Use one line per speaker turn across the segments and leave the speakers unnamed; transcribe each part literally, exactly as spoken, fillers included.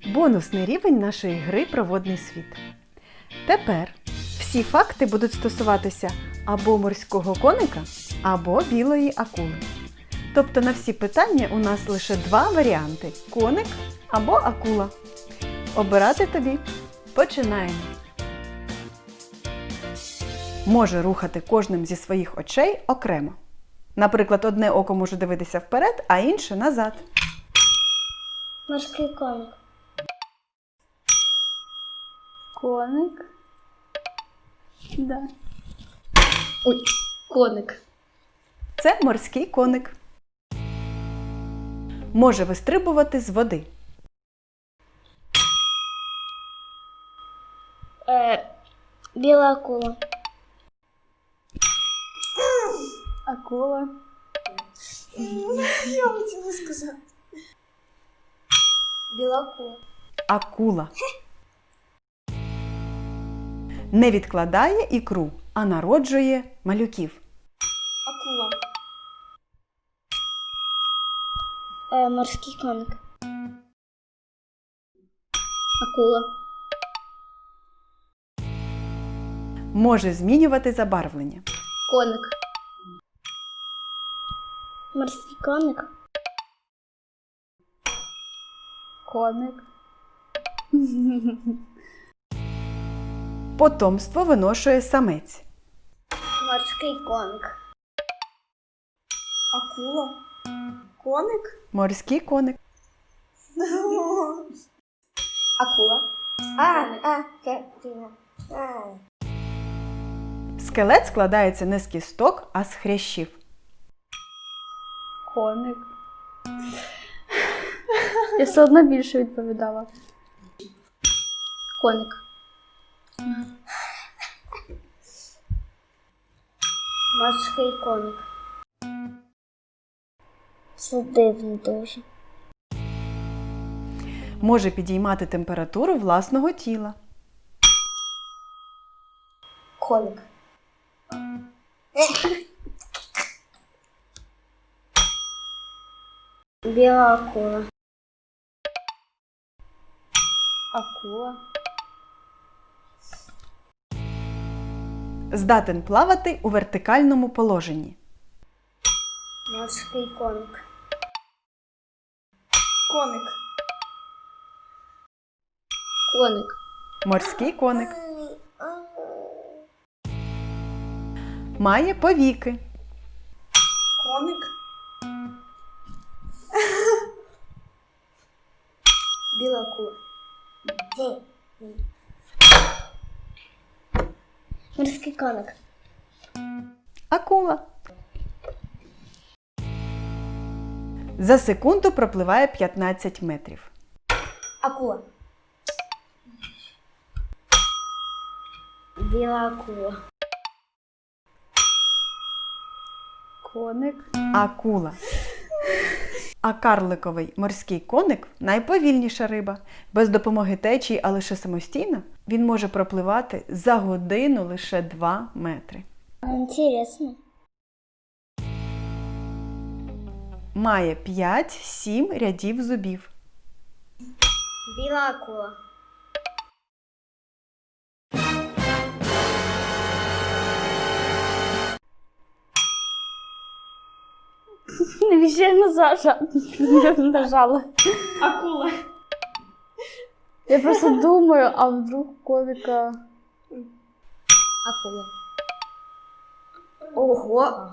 Бонусний рівень нашої гри «Проводний світ». Тепер всі факти будуть стосуватися або морського коника, або білої акули. Тобто на всі питання у нас лише два варіанти – коник або акула. Обирати тобі. Починаємо. Може рухати кожним зі своїх очей окремо. Наприклад, одне око може дивитися вперед, а інше назад.
Морський коник.
Коник. Да. Ой, коник.
Це морський коник. Може вистрибувати з води.
Е, біла акула.
Акула.
Я хотіла сказати. Біла акула.
Акула. Не відкладає ікру, а народжує малюків.
Акула. Е, морський коник.
Акула.
Може змінювати забарвлення.
Коник.
Морський коник.
Коник.
Потомство виношує самець.
Морський коник.
Акула? Коник?
Морський коник.
Акула. А, а, Катерина. А.
Скелет складається не з кісток, а з хрящів.
Коник. Я все одно більше відповідала. Коник.
Морський коник. Це дивно дуже.
Може підіймати температуру власного тіла.
Коник.
Біла акула.
Акула.
Здатен плавати у вертикальному положенні.
Морський коник.
Коник.
Коник.
Морський коник. Має повіки.
Коник.
Біла акула. Морський коник.
Акула. За секунду пропливає п'ятнадцять метрів.
Акула.
Біла акула.
Коник.
Акула. А карликовий морський коник – найповільніша риба. Без допомоги течії, а лише самостійно, він може пропливати за годину лише два метри.
Інтересно.
Має п'ять-сім рядів зубів.
Біла акула.
Навіщо я не зажа... нажала?
Акула.
Я просто думаю, а вдруг коника...
Акула.
Ого.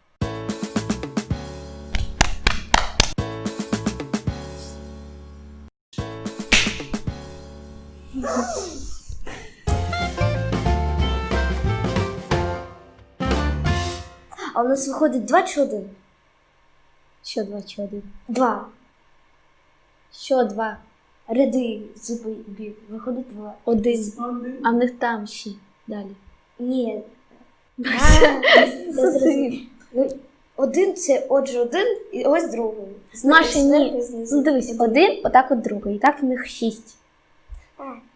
А у нас виходить два чи один?
Що два, чи один?
Два.
Що два?
Ряди зубів. Виходить два.
Один.
Один.
А в них там ще далі.
Ні.
Один.
Ну, один це отже один і ось другий.
Наші ні.
Зверху, знизу.
Ну дивись, один, отак от другий. І так в них шість.
А,